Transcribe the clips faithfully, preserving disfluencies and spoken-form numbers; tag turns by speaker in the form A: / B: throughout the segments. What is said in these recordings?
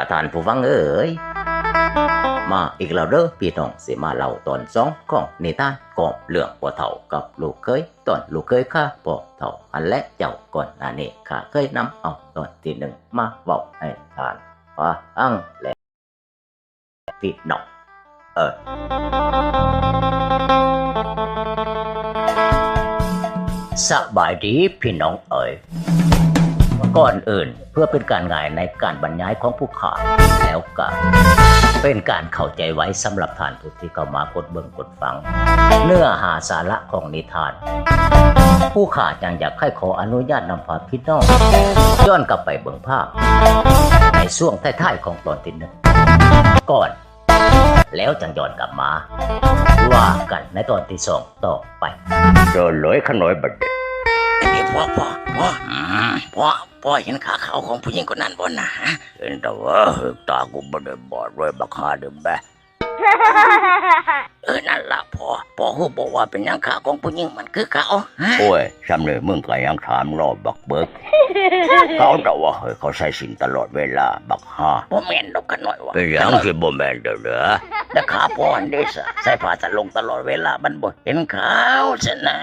A: ท่านผู้ฟังเอ๋ยมาอีกแล้วเด้อพี่น้องสิมาเล่าตอนสองของนิทานก่อเรื่องพ่อเฒ่ากับลูกเคยตอนลูกเคยข้าพ่อเฒ่าอันและเจ้าก่อนหน้านี้ข้าเคยนำเอาตอนที่หนึ่งมาบอกให้ท่านฟังและพี่น้องเออสบายดีพี่น้องเอ๋ยก่อนอื่นเพื่อเป็นการง่ายในการบรรยายของผู้ข่าวแล้วก็เป็นการเข้าใจไว้สำหรับท่านผู้ที่เข้ามากดเบิ่งกดฟังเนื้อหาสาระของนิทานผู้ข่าวจังอยากให้ขออนุญาตนำพาพี่น้องย้อนกลับไปเบิ่งภาพในช่วงท้ายๆของตอนที่หนึ่งก่อนแล้วจังย้อนกลับมาว่ากันในตอนที่สองต่อไปเจอเลยขนอยบัดนี่พ่อพ่อพ่อพ่อพ่อเห็นขาขาวของผู้หญิงคนนั้นบ่นะเห็นแต่ว่าตากูบ่ได้บอดด้วยบักฮาเด้อแม่เออนั่นล่ะพ่อพ่อฮู้บอกว่าเป็นหยังขาของผู้หญิงมันคือเขาโอ้ยซำนี่มึงก็ยังถามรอบบักเบิกเขาแต่ว่าเฮ้ยเขาใส่สินตลอดเวลาบักฮาบ่แม่นดอกขน้อยว่าเป็นหยังสิบ่แม่นเด้อเด้อแต่ขาพ่ออันเด้ซะใส่ผ้าสะลงตลอดเวลามันบ่เห็นขาวซะนะ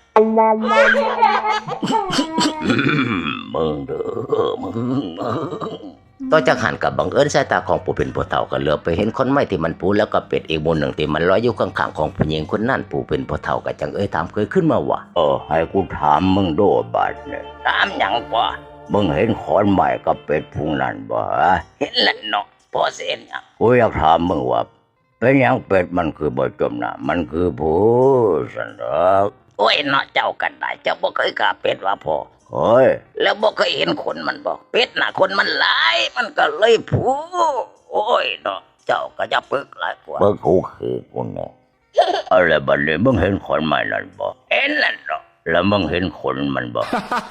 A: มึงเด้อมึงต่อจากหันกับบังเอิญสายตาของผู้เป็นผู้เฒ่าก็เหลือบไปเห็นคนไม้ที่มันปูแล้วก็เป็ดอีกมูลหนึ่งที่มันลอยอยู่ข้างๆของผู้หญิงคนนั้นผู้เป็นผู้เฒ่าก็จังเอ้ยถามเคยขึ้นมาว่าเออให้กูถามมึงโดบาดเนี่ยถามหยังบ่มึงเห็นขอนไม้กับเป็ดพุงนั้นบ่เห็นแล้วเนาะพอเสียนหยังกูอยากถามมึงว่าเป็นหยังเป็ดมันคือบ่จมน้ำมันคือผู้สันดอกโอ้ยเนาะเจ้ากันได้เจ้าบ่เคยฆ่าเป็ดว่าพ่อโอ้ยแล้วบ่เคยเห็นคนมันบ่เป็ดน่ะคนมันหลายมันก็เลยผูโอ้ยเนาะเจ้าก็จะปึกหลายกว่าปึกหูคือกูเนาะอะไรบัดนี้มึงเห็นคนใหม่นั่นบ่เห็นแล้วเนาะแล้วมึงเห็นคนมันบ่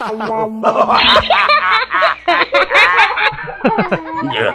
A: เยอะ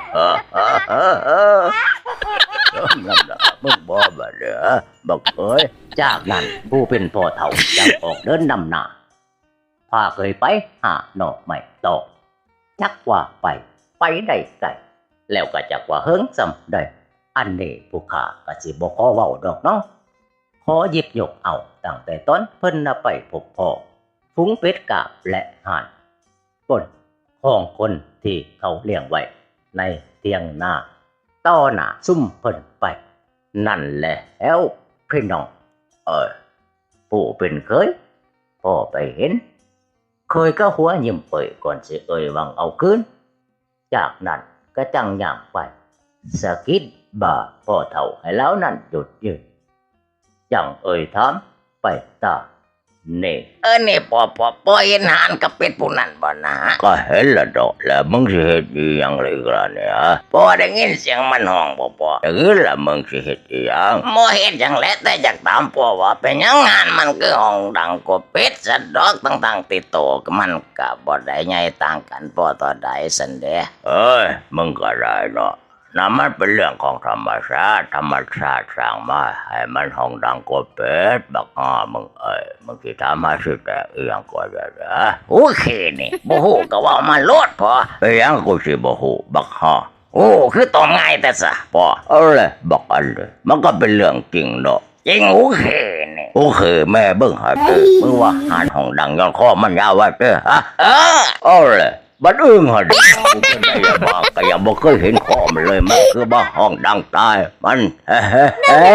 A: นั่นล่ะมึงบ่บัดเด้อบักเอ้ยจากนั้นผู้เป็นพ่อเฒ่าจังออกเดินนำหน้าพาเคยไปหาหน่อไม้ตอกจักว่าไปไปได้ไกลแล้วก็จักว่าเฮิงซำได้อันนี้ผู้ข้าก็สิบ่ขอเว้าดอกเนาะขอหยิบยกเอาตั้งแต่ตอนเพิ่นน่ะไปพบพ่อฝูงเป็ดกาบและห่านก้นของคนที่เขาเลี้ยงไว้ในเตียงนาต่อหน้าซุ่มเพิ่นไปนั่นแหละแล้วพี่น้องเออผู้เป็นเคยพ่อไปเห็นเคยก็หัวยิ้มเปิดก่อนสิเอ่ยวังเอาคืนจากนั้นก็จังย่างไปสะกิดบ่าพ่อเฒ่าให้แล้วนั่นหยุดยืนจังเอ่ยถามไปตานี่เออนี่พ่อพ่อพ่อเห็นหานกับเป็ดผู้นั้นบ่นะก็เห็นละดอกแล้วมึงสิเฮ็ดอีหยังเลยล่ะเนี่ยพ่อได้ยินเสียงมันห้องบ่พ่อเออละมึงสิเฮ็ดอีหยังบ่เฮ็ดหยังแหละแต่อยากถามพ่อว่าเป็นหยังงานมันคือห้องดังกว่าเป็ดซะดอกต่างๆติดโตก็มันก็บ่ได้ใหญ่ต่างกันพ่อต่อใดซั่นเด้เอ้ยมึงก็ได้เนาะนั่นมันเป็นเรื่องของธรรมชาติธรรมชาติสร้างมาให้มันห้องดังกว่าเป็ดบักอ้อมึงเอ้ยมึงสิถามมาสิแต่เอื้องก็ได้นะโอเคนี่บ่ฮู้ก็ว่ามาโลดพอเอียงกูสิบ่ฮู้บักฮ้อโอ้คือตอบง่ายแต่ซะพอเอาเลยบักอันเลยมันก็เป็นเรื่องจริงเนาะจริงโอเคนี่โอเคแม่เบิ่งหาเด้อมึงว่าหานห้องดังย้อนคอมันยาวว่าเด้อฮะเออเอาเลยบัดอึ้งหั่นกูก็ได้ยังว่าก็ยังบ่เคยเห็นคอมันเลยมันคือบ่ห้องดังตายมันเฮ้เฮ้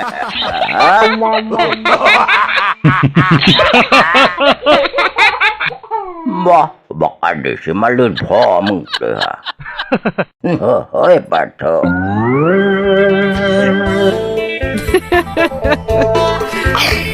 A: บ่บอกอันนี้สิมาลื่นพ่อมึงเด้อเฮ้ยปัดเถอะ